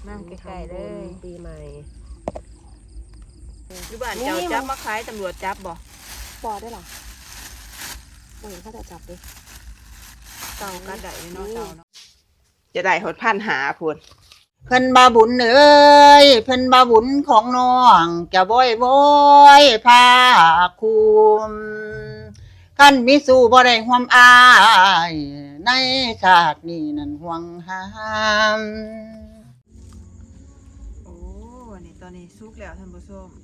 มาใกล้ๆเลยปีใหม่อยู่บ้านเจ้าจับมาขายตำรวจจับบ่ปอได้หรอเห็นเขาจะจับดิเต่าก็ได้เนาะเต่าเนาะจะได้หดพันหาพุ่นเพิ่นบาบุญเอ้ยเพิ่นบาบุญของน้องจะบ่อยพาคุมคันมิสู่บ่ได้ห่วมอายในชาตินี้นั้นห่วงหามโอ้นี่ตอนนี้สุกแล้วท่านผู้ชม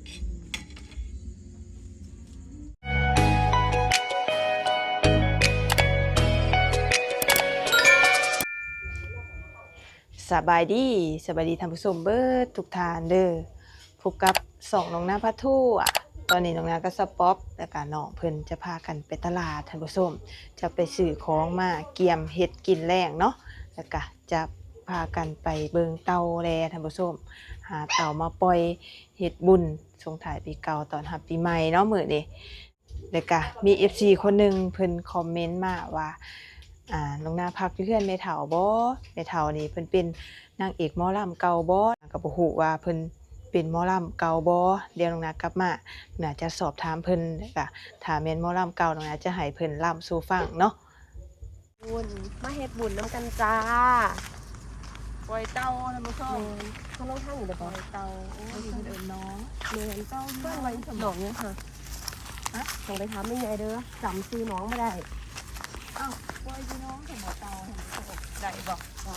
สบายดีท่านผู้ชมเบิดทุกท่านเด้อพบกับ2น้องนาพัทูตอนนี้น้องนาก็สป๊อปแล้วก็น้องเพิ่นจะพากันไปตลาดท่านผู้ชมจะไปซื้อของมาเกียมเฮ็ดกินแรงเนาะแล้วก็จะพากันไปเบิ่งเต่าแลท่านผู้ชมหาเต่ามาปล่อยเฮ็ดบุญส่งท้ายปีเก่าตอนรับปีใหม่เนาะมื้อนี้แล้วก็มี FC คนนึงเพิ่นคอมเมนต์มาว่าน้องนาพักอยู่เพื่อนแม่เฒ่าบ่แม่เฒ่านี่เพิ่นเป็นนางเอกหมอลำเก่าบ่ก็บ่ฮู้ว่าเพิ่นเป็นหมอลำเก่าบ่เดี๋ยวน้องนากลับมาน่าจะสอบถามเพิ่นก็ถ้าแม่นหมอลำเก่าน้องนาจะให้เพิ่นลำสู่ฟังเนาะบุญมาเฮ็ดบุญน้ำกันจ้าปล่อยเต่าท่านผู้ชมเขาลงท่านอยู่เลยปล่อยเต่าโอ้ยเพิ่นเอิ้นน้องเมือนเจ้าเพื่อนไว้สมองเนี่ยค่ะส่งไปถามไม่ไงเด้อจำซื้อน้องไม่ได้อ้าวปล่อยพี่น้องสมอเต่าได้บ่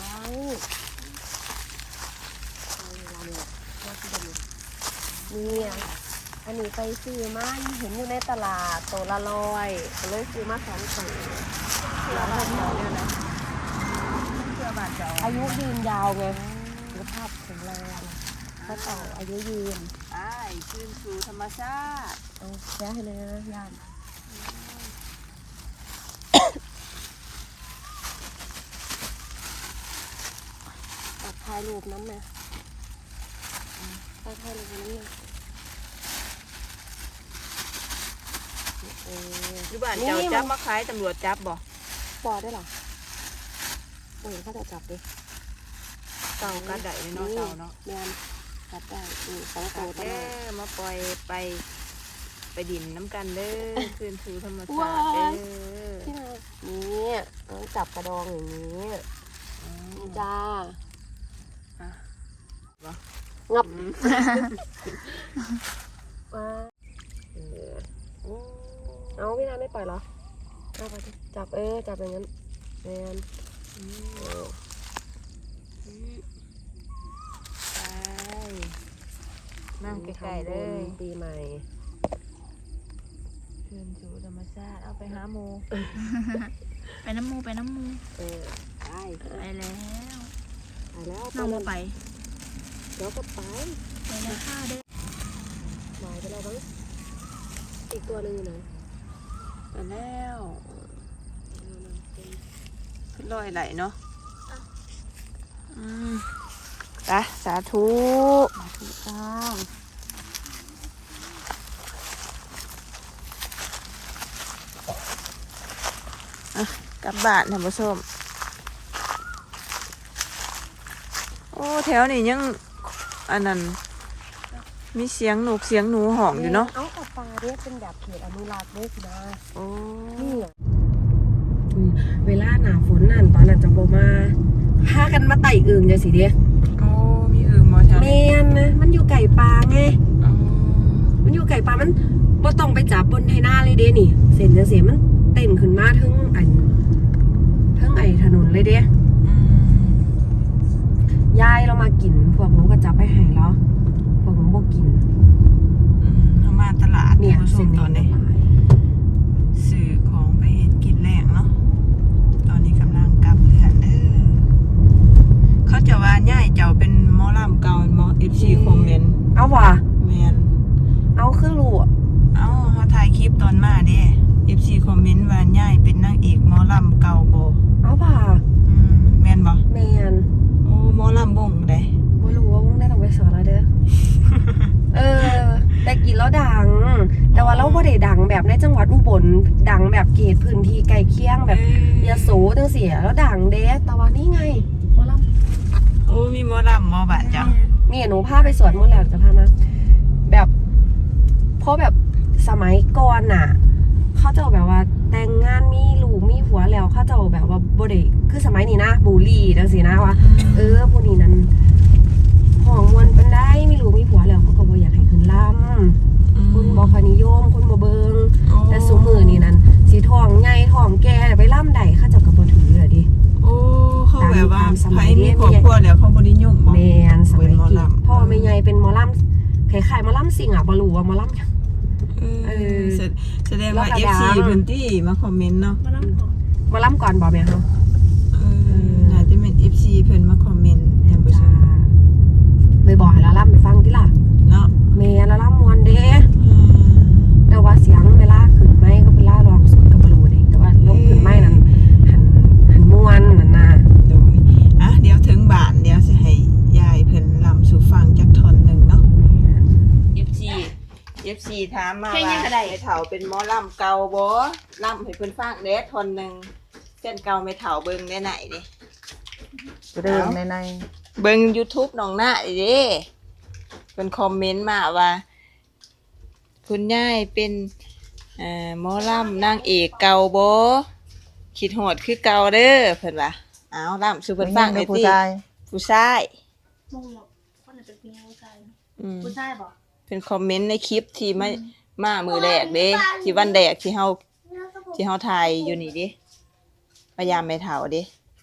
นี่อันนี้ไปซื้อมาเห็นอยู่ในตลาดตัวละ100ก็เลยซื้อมา2ตัวแล้วก็เดี๋ยวเนี่ยนะเพื่อบาดเจ้าอายุยืนยาวไงสุขภาพแข็งแรงก็ต่ออายุยืนคืนสู่ธรรมชาติเอาแค่ให้เลยนะย่านตัดถ่ายรูปน้ำนะถ่ายรูปน้ำเนี่ยอยู่บ้านเจ้าจับมาขายตำรวจจับบ่ปอได้หรอเห็นเขาจะจับดิเต่าก็ได้เนาะเต่าเนาะแม่นจับได้2ตัวเด้อมาปล่อยไปดินน้ำกันเด้อคืนสู่ธรรมชาติเด้อนี่ต้องจับกระดองอย่างนี้จ้างับเอาพี่นาไม่ปล่อยเหรอเอาไปจับจับอย่างนั้นแมนไปนั่งใกล้ๆเลยปีใหม่คืนสู่ธรรมชาติเอาไปหาหมูไปน้ำมูไปแล้วน้องไปเดี๋ยวก็ไปแล้วค่ะเด้อหายไปแล้วบ้างอีกตัวนึงนะไปแล้วขึ้นลอยไหลเนาะสาธุจ้ากลับบ้านท่านผู้ชมโอ้แถวนี้ยังอันนั้นมีเสียงหนูห่องอยู่เนาะเอากับปลาเรียกเป็นแบบเขตอนุรักษ์ด้วยสินะโอ้นี่เวลาหนาฝนนั่นตอนนั้นจังโบมาพากันมาไต่อึ่งจะสิเดียโอ้มีอึ่งมาใช่แมนนะมันอยู่ไก่ปลาไงมันอยู่ไก่ปลามันบ่ต้องไปจับบนไทหน้าเลยเด้นี่เส้นจังสีมันเต้นขึ้นมาทั้งไอ้ถนนเลยเด้ยายเรามากินพวกน้องก็จับไปให้แล้วพวกน้องบ่กินเรามาตลาดเนี่ยเส้นตอนนี้ซื้อของไปเฮ็ดกินแรงเนาะตอนนี้กำลังกลับเรือนเด้อเขาจะว่าย่ายเจ้าเป็นหมอลำเก่าหมอ FC คอมเมนต์เอาว่ะแม่นเอาคือรู้เอาเขาถ่ายคลิปตอนมาเด้ FC คอมเมนต์ว่าย่ายเป็นนางเอกหมอลำเก่าบ่เอาว่ะแม่นบ่แม่นโอ้หมอลำวงได้บ่รู้ว่าวงได้ต้องไปสอนแล้วเด้อแต่กินแล้วดังแต่ว่าเราบ่ได้ดังแบบในจังหวัดอุบลดังแบบเขตพื้นที่ใกล้เคียงแบบยโสจังซี่แล้วดังเด้แต่ว่านี่ไงหมอลำอ้มีหมอลำหมอบาดเจ้านี่หนูพาไปสวนมดแล้วจะพามาแบบเพราะแบบสมัยก่อนน่ะ เขาจะแบบว่าแต่งงานมีลูกมีผัวแล้วเขาจะแบบว่าบ่ได้คือสมัยนี้นะบูลลี่จังซี่นะว่าผู้นี้นั้นห้องมวนเป็นได้มีลูกมีผัวแล้วเขาก็บ่อยากให้ขึ้นลำคุณบ่ค่อยนิยมคุณบ่เบิงแต่ซุมื้อนี้นั้นสิท้องใหญ่ท้องแก่ไปลำใดเขาเจ้าก็บ่ถือเลยดิโอ้เขาแบบว่าตามสมัไผยนี้มีครอบครัวแล้วเขาบ่นิยมบ่แม่นสมัยเป็นหมอกี้ลำพ่อแม่ใหญ่เป็นหมอลำคล้ายๆหมอลำสิงอ่ะบ่รู้ว่าหมอลำหยังแสดงว่าแล้วก็ FC ดังเพิ่นที่มาคอมเมนต์เนาะมานั่งก่อนหมอลำก่อนบ่แม่เฮาน่าจะเป็น FC เพิ่นมาคอมเมนต์ท่านผู้ชมเลยบอกให้ละล่ำไปฟังติล่ะเนาะแม่ละล่ำมวนเด้แต่ว่าเสียงเวลาขึ้นไม้ก็เวลาร้องสดก็บ่รู้เด้แต่ว่าลงขึ้นไม้นั้นหันม่วนนั่นน่ะโดยเดี๋ยวถึงบ้านเดี๋ยวสิให้ยายเพิ่นลำสู่ฟังจักท่อนหนึงเนาะ FC ถามมาว่าให้เฒ่าเป็นหมอลำเก่าบ่ลำให้เพิ่นฟังเด้ท่อนหนึงเส้นเก่าไม่เฒ่าเบิ่งได้ไหนดิเรื่องในเบิ่ง YouTube น้องหน้าเด้เพิ่นคอมเมนต์มาว่าคุณยายเป็นหมอลำนางเอกเก่าบ่คิดฮอดคือเก่าเด้อเพิ่นว่าอ้าวลำสู่เพิ่นฟังในได้ผู้ติชายผู้ชายมงบอกคนไหนเป็นผู้หญิงผู้ชายอืมผู้ชายบอกเป็นคอมเมนต์ในคลิปที่มามือแรกเด้ที่วันแรกที่เฮาถ่ายอยู่นี่ดิพยายามไม่เฒ่าเด้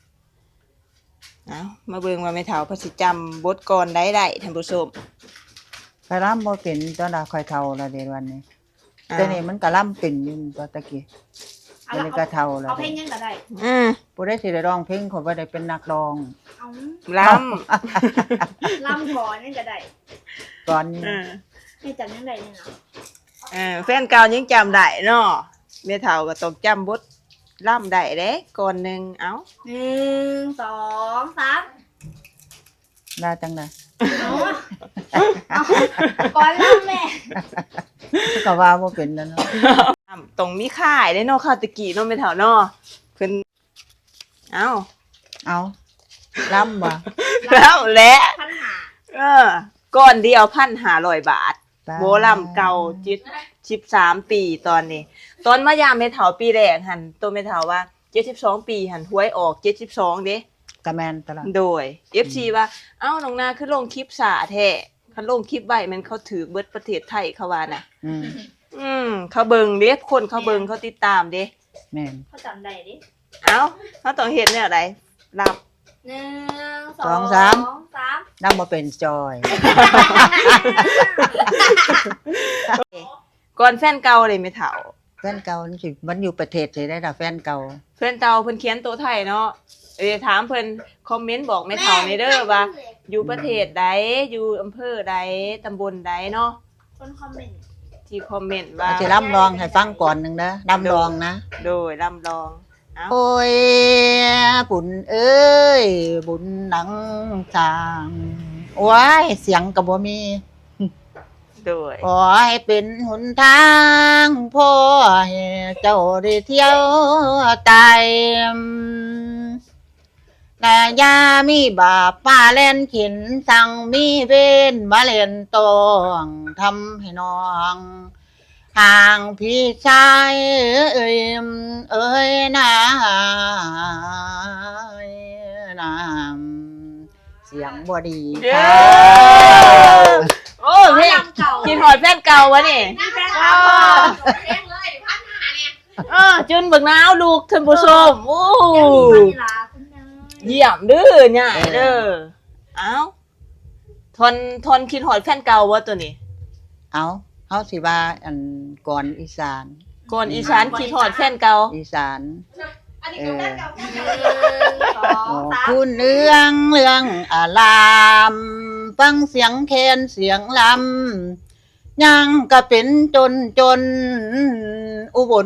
เอามาเบิ่งว่าไม่เฒ่าเพิ่นสิจำบทกลอนได้ท่านผู้ชมไปร่ำบ่เป็นตอนน่ะค่อยเฒ่าละเดี๋ยววันนี้อ้าวแต่นี่มันก็ร่ำเป็นอยู่ตัวตะกี้เอาเดี๋ยวละนี้ก็เฒ่าแล้วเอาเพลงยังก็ได้อืมผู้ได้สิได้ร้องเพลงเขาบ่ได้เป็นนักร้องเอาลลำก่อนยังก็ได้ก่อนนี้ำให้จำยังไงเนี่ยเนาะแฟนเก่ายังจำได้เนาะแม่เฒ่าก็ต้องจำบทล่ำได้เด้ก่อนหนึงเอ้า 1 2 3 ได้จังได๋เอาก่อนลำแม่ก็ว่าบ่เป็นแล้วเนาะตรงมีค่ายได้เนาะข้าวตะกี้เนาะแม่เฒ่าเนาะเพิ่นเอ้าเอาร่ำบ่แล้วแหละพันหาก้อนเดียว1,500 บาทโบล่ำเก่าจิต13 ปีตอนนี้ ตอนมายามแม่เฒ่าปีแรกหันตัวแม่เฒ่าว่า72ปีหันหวยออก72เด้กะแม่นตะละโดย FC ว่าเอ้าน้องนาคือลงคลิปสาแท้คันลงคลิปไว้มันเขาถือเบิดประเทศไทยเขาว่าน่ะ เขาเบิ่งเด้คนเขาเบิ่งเขาติดตามเด้แม่นเขาจำได้ดิเอ้าเขาต้องเฮ็ดแนวใดรับ 1 สอง 2 สาม 3 นำบ่เป็นจอยก่อนแฟนเก่าเลยแม่เฒ่าแฟนเก่านี่สิมันอยู่ประเทศสิได้ล่ะแฟนเก่าแฟนเก่าเพิ่นเขียนตัวไทยเนาะถามเพิ่นคอมเมนต์บอกแม่เฒ่าในเด้อว่าอยู่ประเทศใดอยู่อำเภอใดตำบลใดเนาะคนคอมเมนต์ที่คอมเมนต์ว่าสิร่ำร้องให้ฟังก่อนหนึงนะร่ำร้องนะโดยร่ำลองเอ้าโอ้ยบุญเอ้ยบุญหนังจางโอ้ยเสียงก็บ่มีโดยขอให้เป็นหนทางพ่อให้เจ้าได้เที่ยวไต่แต่ยามีบาปป้าเล่นขินสั่งมีเวนมาเล่นตองทำให้น้องห่างพี่ชายเอ้ยนะน้ำเสียงบ่ดีเย้ค่ะโอ้เพลงกินหอดแฟนเก่าวะนี่นี่แฟนคลับบอกเพลงเลยพันหาเนี่ยจุนเบิกน้าวลูกท่านผู้ชมโอ้เดี๋ยวมีพันลาคุณเนยเยี่ยมเด้อเนี่ยเด้อเอ้าทนคิดหอดแฟนเก่าวะตัวนี้เอาเฮาสิว่าอันก่อนอีสานก่อนอีสานคิดหอดแฟนเก่าอีสานอันนี้ก็แฟนเก่าแฟนเก่าโอ้ 1 2 3 คุณเรื่องอารามฟังเสียงแคนเสียงลำยังก็เป็นจนอุบล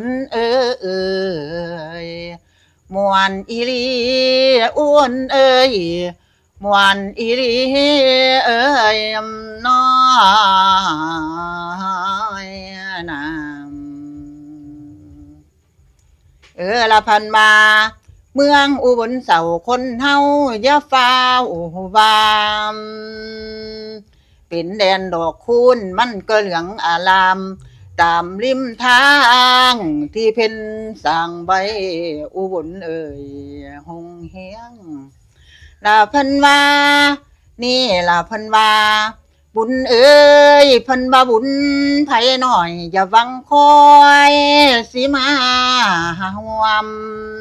ยมวนอีหลีอ้วนเอ้ยมวนอีหลีเอ้ยน้อยนามละพันมาเมืองอุบลเสาคนเฮาอย่าฟ้าววามเป็นแดนดอกคูณมันก็เหลืองอารามตามริมทางที่เพิ่นสร้างไว้อุบลเอ่ยหงเฮียงลาเพิ่นว่านี่ล่ะเพิ่นว่าบุญเอ้ยเพิ่นบ่าบุญไผหน่อยอย่าหวังคอยสิมาห่วม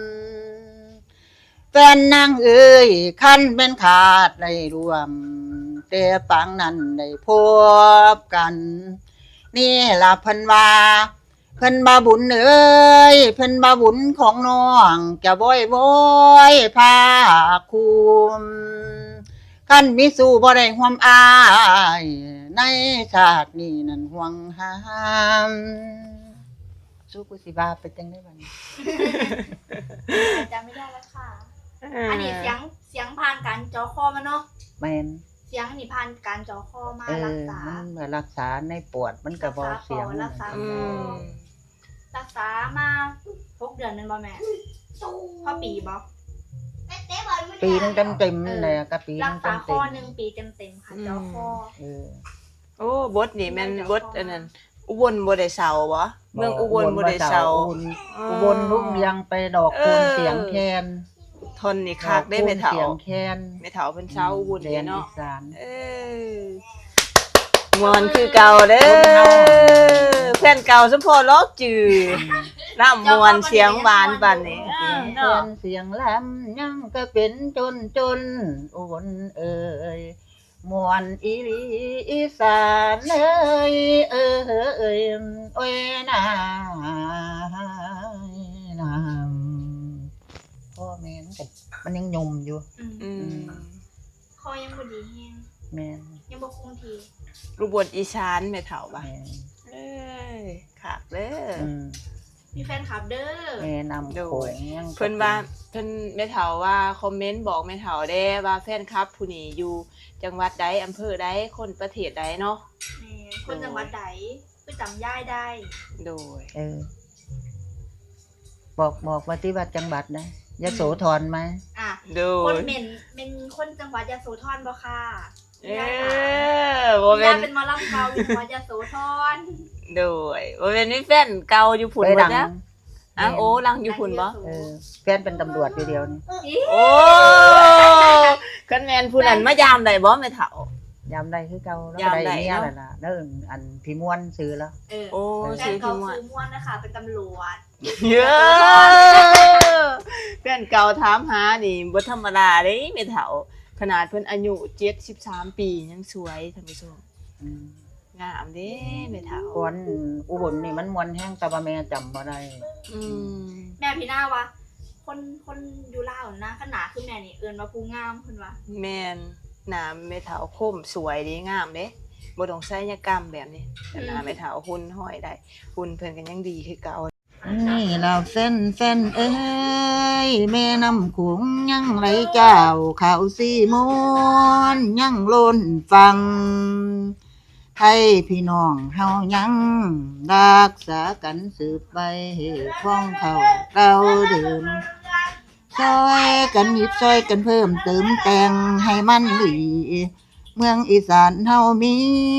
แฟนนางเอ้ยคันเป็นขาดได้รวมแต่ปางนั้นได้พบกันนี่ล่ะเพิ่นว่าเพิ่นบ่าบุญเอ้ยเพิ่นบ่าบุญของน้องจะบ่อยพาคุมคันมีสู่บ่ได้ห่วมอายในชาตินี้นั้นห่วงหามสู้กูสิว่าไปจังได้บัดนี้จำไม่ได้แล้วค่ะ อันนี้เสียงผ่านการจอคอมาเนาะแม่นเสียงนี่ผ่านการจอคอมารักษามันมารักษาในปวดมันก็บ่เสียงรักษาอืมรักษามา6 เดือนนั่นบ่แม่พอปีบ่ปีนึงเต็มๆเลยก็ปีนึรักงษาเต็คอม 1 ปีเต็มๆค่ะจอคอๆเออโอ้บทนี่แม่นบทอันนั้นอุบลบ่ได้เซาบ่เมืองอุบลบ่ได้เซาอุบลรุ่งเรืองไปดอกคูณเสียงแคนทนนี่คักได้แม่เฒ่าเสียงแคนแม่เฒ่าเพิ่นเซาอุบลแดนี่นอีเนาะสานเออมวนคือเก่าเด้อแฟนเก่าสมพอลอกจือน้ำมวนเสียงหวานปานนี้เสียงแคเนาะนเสียงแหลมยังก็เป็นจนอุบลเอ่ยมวนอีหลีอีสานเอ้ยโอ้ยนาพ่อแม่มันยังยมอยู่อืมคอยังบ่ดีแฮงแม่นยังบ่คงทีอุบลอีสานแม่เฒ่าบ่ะแม่นเอ้ยคักเด้ออืมมีแฟนคลับเด้อแม่นำโขงยังเพิ่นว่าเพิ่นแม่เฒ่าว่าคอมเมนต์บอกแม่เฒ่าเด้ว่าแฟนคลับผู้นี้อยู่จังหวัดใดอำเภอใดคนประเทศใดเนาะแม่คนจังหวัดใดคือจำย่ายได้โดยบอกว่าที่วัดจังหวัดนะยโสธรไหมอ่ะโดคนยเป็นคนจังหวัดยโสธรบ่ค่ะเออบ่ย่าแม่นเป็นหมอลำเก่าอยู่จังหวัดยโสธรโดยบ่แม่นมีแฟนเก่าอยู่พุ่นไปบ่ดังจ๊ะอ้าวโอ้ลังอยู่พุ่นบ่แฟนเป็นตำรวจอยู่เดียวนี่โอ้คันแม่นผู้นั้นมายามได้บ่แม่เฒ่ายามใดคือเก่าแล้วยามใดเนี่ยเนาะแหละนะแล้วอันพี่ม่วนซื้อแล้วโอ้แฟชื่นอเก่าพี่ม่วนซื้อม่วนนะคะเป็นตำรวจเยอะแฟนเก่าถามหานี่บ่ธรรมดาเด้แม่เฒ่าขนาดเพิ่นอายุ73ปียังสวยท่านผู้ชมอืมงามเด้แม่เฒ่าก่อนอุบลนี่มันม่วนแห้งแต่ว่าแม่จำบ่ได้อืมแม่พี่หน้าวะคนอยู่ลาวนะขนาดคือแม่นี่เอิ้นว่าผู้งามเพิ่นว่าแม่นหน้าแม่เฒ่าคมสวยดีงามเด้บ่ต้องศัลยกรรมแบบนี้แต่หน้าแม่เฒ่าหุ่นห้อยได้หุ่นเพิ่นก็ยังดีคือเก่านี่เราแฟนเอ้ยแม่น้ำโขงยังไหลเจ้าข่าวสีมวนยังล้นฟังไทยพี่น้องเฮายังรักษากันสืบไปของเขาเราเดิมซอยกันหยิบซอยกันเพิ่มเติมแต่งให้มันดีเมืองอีสานเฮามี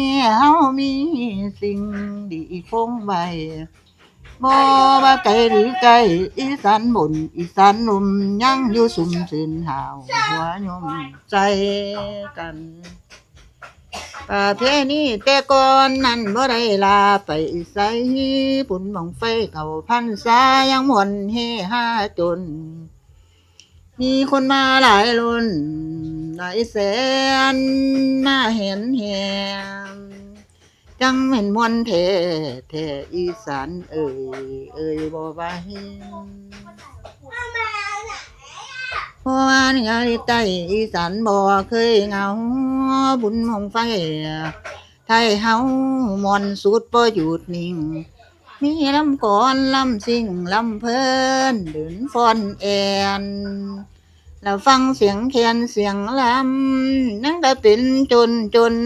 สิ่งดีคงไว้บ่ว่าไกลหรือไกลอีสานบนอีสานหนุ่มยังอยู่สุ่มชื่นหาวหัวยมใจกันประเพณีแต่ก่อนนั้นบ่ได้ลาไปไสปุ่นบังไฟเข้าพรรษายังม่วนเฮฮาจน มีคนมาหลายล้นหลายแสนมาเห็นแหงจังเป็นมวนแท้อีสานเอ่ยบ่ว่าเห็นเพราะว่าเหนือใต้อีสานบ่เคยเหงาบุญมงไฟไทยเฮามอนสุดบ่หยุดนิ่งมีลำก่อนลำซิ่งลำเพลินเดินฟ้อนแอนแล้วฟังเสียงแคนเสียงลำนั่งก็เป็นจน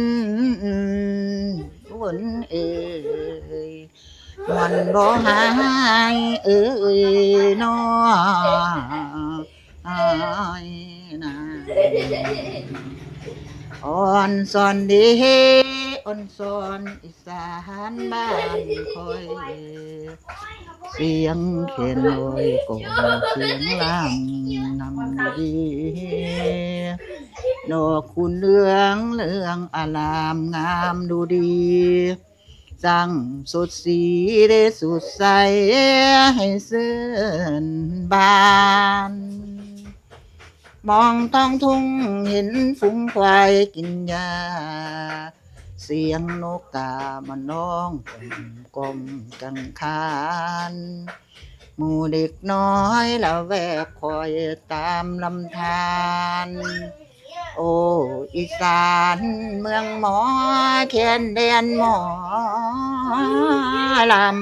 วนเอ่ยมันบ่หายเอ่ยน้ออายนะอ่อนสอนดีอ่อนสอนอีสานบ้านคอยเสียงเข็นลอยกงเสียงล่างนำดีดอกคุณเหลืองเหลืองอลามงามดูดีสั่งสดสีได้สุดใสให้เสื่อนบานมองท้องทุ่งเห็นฝูงควายกินหญ้าเสียงนกกามันร้องกลมกังคานหมู่เด็กน้อยละแวกคอยตามลำธารโอ้อีสานเมืองหมอแคนแดนหมอลำ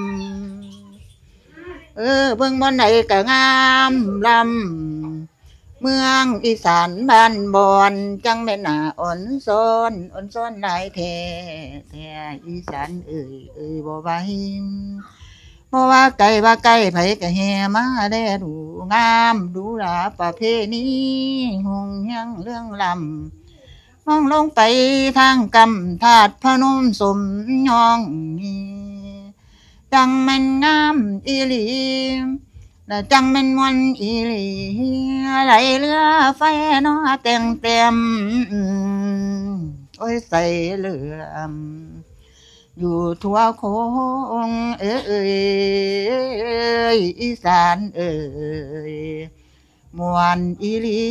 เบิ่งบ่อนไหนก็งามลำเมืองอีสานบ้านบอนจังแม่นน่าอ่อนซ้อนหลายแท้อีสานเอ้ยบ่ไหวเพราะว่าไก่ไผก็แห่มาแลดูงามดูหลาประเพณีหงยังเรื่องลำมองลงไปทางกำธาตุพนมสมยองจังแม่นงามอีหลีและจังแม่นมวนอีหลีไหลเรือไฟน้อเต็มโอ้ยใส่เหลือมอยู่ทั่วโคงอีสานมวนอีหลี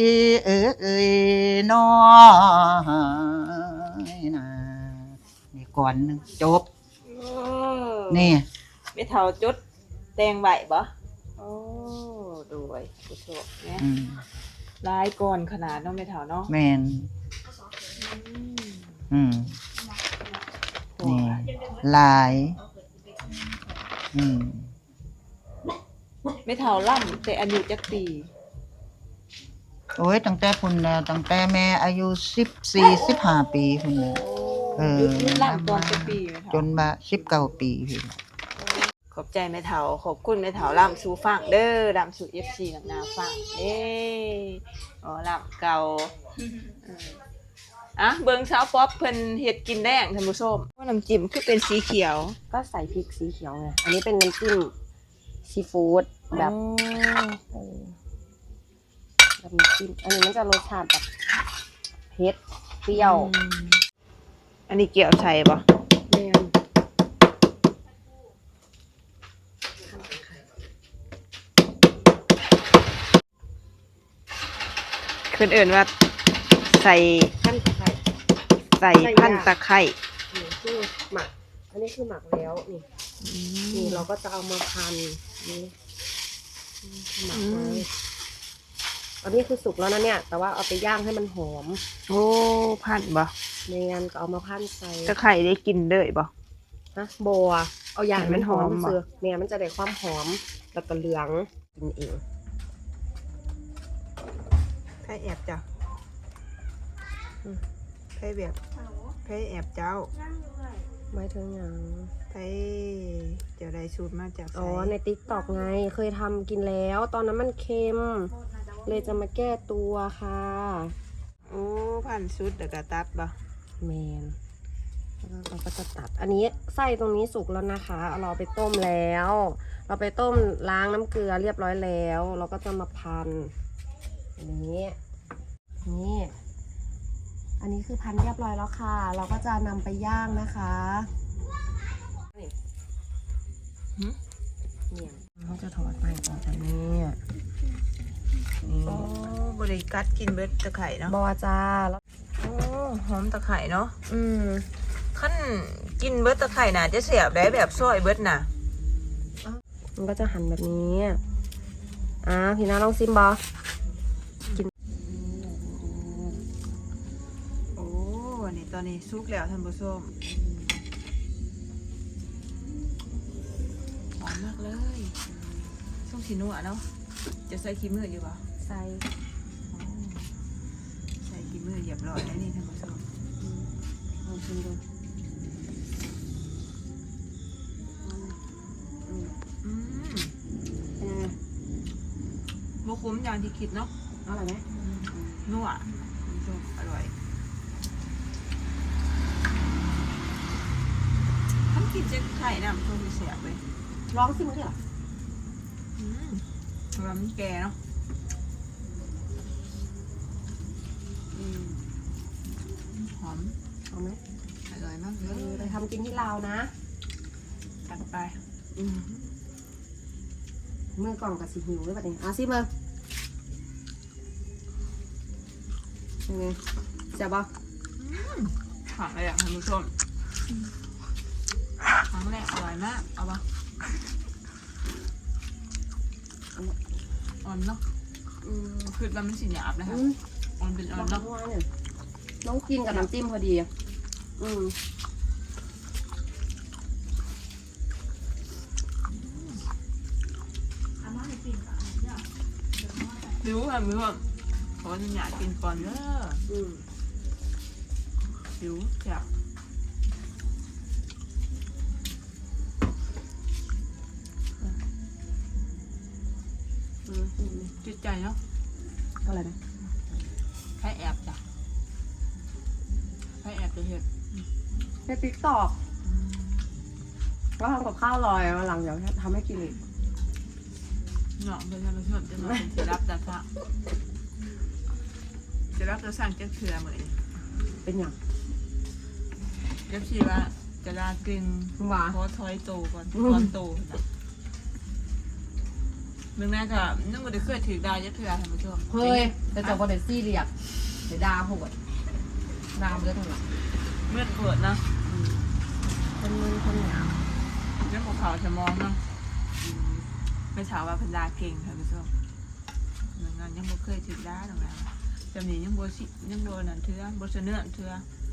น้อยนะนี่ก่อนหนึ่งจบนี่ไม่เท่าจุดแตงไหวบ่โอ้ดูไว้ผู้ชมเนี่ยลายก่อนขนาดเนาะไม่เท่าเนาะแมนนี่ลายไม่เท่าล่ำแต่อายุจักปีโอ้ยตั้งแต่พุ่นแล้วตั้งแต่แม่อายุ14-15 ปีพุ่นแล้วล่ำตอนจักปีไม่เท่าจนมา19 ปีพุ่นขอบใจแม่เฒ่าขอบคุณแม่เฒ่าล่ำสู่ฟังเด้อล่ำสู่ FC หนักหนาฟังอ๋อล่ำเก่าเบิ่งสาวป๊อปเพิ่นเฮ็ดกินแดงท่านผู้ชมว่าน้ำจิ้มคือเป็นสีเขียวก็ใส่พริกสีเขียวไงอันนี้เป็นน้ำจิ้มซีฟู้ดแบบแบบน้ำจิ้มอันนี้มันจะรสชาติแบบเผ็ดเปรี้ยวอันนี้เกี่ยวใส่บ่แม่นเพิ่นเอิ้นว่าใส่พันตะไคร้พันตะไคร้นี่คือหมักอันนี้คือหมักแล้วนี่เราก็จะเอามาพันนี่หมักไว้อันนี้คือสุกแล้วนะเนี่ยแต่ว่าเอาไปย่างให้มันหอมโอ้พันบ่เนียนก็เอามาพันใส่ตะไคร้ได้กินเลยบ่บัวเอาอย่างมันหอมเสือเนี่ยมันจะได้ความหอมแล้วก็เหลืองกินเองไผแอบจ้ะไผแบบไผแอบเจ้าไม่ถึงอย่างไผเจ้าได้สูตรมาจากอ๋อใน TikTok ไงเคยทำกินแล้วตอนนั้นมันเค็มเลยจะมาแก้ตัวค่ะโอ้พันสุดเดี๋ยวก็ตัดบ่แมนเราก็จะตัดอันนี้ไส้ตรงนี้สุกแล้วนะคะเราไปต้มแล้วเราไปต้มล้างน้ำเกลือเรียบร้อยแล้วเราก็จะมาพันอันนี้นี่อันนี้คือพันเรียบร้อยแล้วค่ะเราก็จะนำไปย่างนะคะเนี่ยเขาจะถอดไปก่อนจ้ะเนี่ยโอ้บริกัดกินเบิดตะไคร่เนาะบอจ้าแล้วโอ้หอมตะไคร่เนาะขั้นกินเบิดตะไคร่น่ะจะเสียบได้แบบซอยเบิดน่ะมันก็จะหั่นแบบนี้พี่น้าลองซิมบอกินโอ้นี่ตอนนี้สุกแล้วท่านผู้ชมหอมมากเลยส้มสีนัวเนาะจะใส่ขี้มืออยู่ป่ะใส่ขี้มือเรียบร้อยแล้วนี่ท่านผู้ชมลองชิมดูบุคคุ้มอย่างที่คิดเนาะอร่อยไหมนัวอร่อยทำกินเจ๊ไข่น้ำก็เสียไปลองสิมึงเหรอมันแก่เนาะหอมเอาไหมอร่อยมากเลไปยทำกินที่ลาวนะตัดไปมือกล่องกับสีหิวด้วยแบบนี้สิมือยังไงเจ็บปะหอมเลยอ่ะท่านผู้ชมครั้งแรกอร่อยมากเอาปะอ่อนเนาะคือมันไม่สีหยาบนะคะอ่อนเป็นอ่อนน้องเนาะว่าเนี่ยน้องกินกับน้ำจิ้มพอดีอ่ะอาม่าในปีนค่ะเนี่ยรู้ค่ะมือว่าขอจะอยากกินก่อนเด้อหิวอยาก จิตใจเนาะอะไรนะใครแอบจ้ะใครแอบจะเห็นในติ๊กตอกก็ทำกับข้าวลอยวันหลังเดี๋ยวทำให้กินอีกเนาะเป็นท่านผู้ชมจะมาเป็นที่รับจะสั่งจะรับจะสั่งจะเถื่อเหมือนเป็นอย่างเดี๋ยวชีว่าจะลากินหวานขอถอยโตก่อนตอนโตนะมึงน่าจะนึกว่าจะเคยถือดาวจะเถื่อท่านผู้ชมเฮ้ยแต่จะบอลเดซี่เรียกเดี๋ยวดาโหดดามเยอะเท่าไหร่เมื่อเกิดนะคนมึนคนหยาบเรื่องของเขาจะมองเนาะไม่ถามว่าพันดาเก่งท่านผู้ชมเหมือนกันยังบ่เคยถือดาวหรอกนะจำนี้ยังบ่นั่นเถื่อบ่เสนอเถื่อ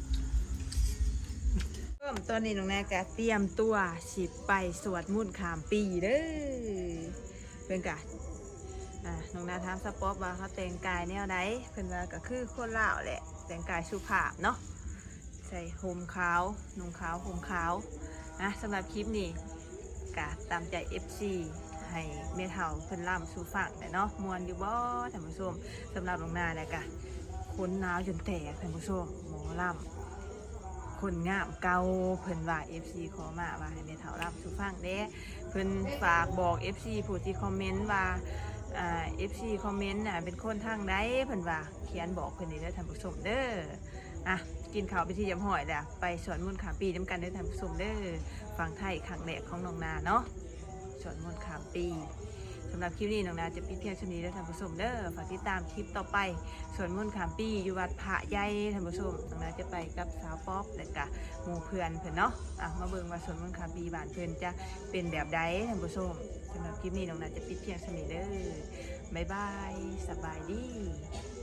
ตอนนี้น้องแนกเตรียมตัวสิไปสวดมนต์ข้ามปีเด้อเพื่อนกะน้องนาถามสปอปว่าเขาแต่งกายแนวไหนเพื่อนว่าก็คือคนลาวแหละแต่งกายสุภาพเนาะใส่ห่มขาวนุ่งขาวห่มขาวสำหรับคลิปนี้กะตามใจ FC ให้เมทัลเพิ่นล่ำสู่ฝั่งเนาะมวนอยู่บ่ท่านผู้ชมสำหรับน้องนาเนี่ยกะคนหนาวจนแตกท่านผู้ชมหมอล่ำคนงามเก่าเพิ่นว่า FC ขอมาว่าให้เมทัลล่ำสู่ฝั่งเด้เพิ่นฝากบอก FC ผู้ที่คอมเมนต์ว่าFC คอมเมนต์เป็นคนทางใดเพิ่นว่าเขียนบอกเพิ่นนี่เด้อท่านผู้ชมเด้อกินข้าวไปที่ยำหอยแล้วไปสวนมนต์ขามปีน้ำกันเด้อท่านผู้ชมเด้อฟังไทยครั้งแรกของน้องนาเนาะสวนมนต์ขามปีสำหรับคลิปนี้น้องนาจะปิดเพียงเท่านี้เด้อท่านผู้ชมเด้อฝากติดตามคลิปต่อไปสวนมนต์ขามปีอยู่วัดพระใหญ่ท่านผู้ชมน้องนาจะไปกับสาวป๊อปและก็หมู่เพื่อนเพิ่นเนาะมาเบิ่งว่าสวนมนต์ขามปีบ้านเพิ่นจะเป็นแบบใดท่านผู้ชมสำหรับคลิปนี้น้องนาจะปิดเพียงเท่านี้เด้อบ๊ายบายสบายดี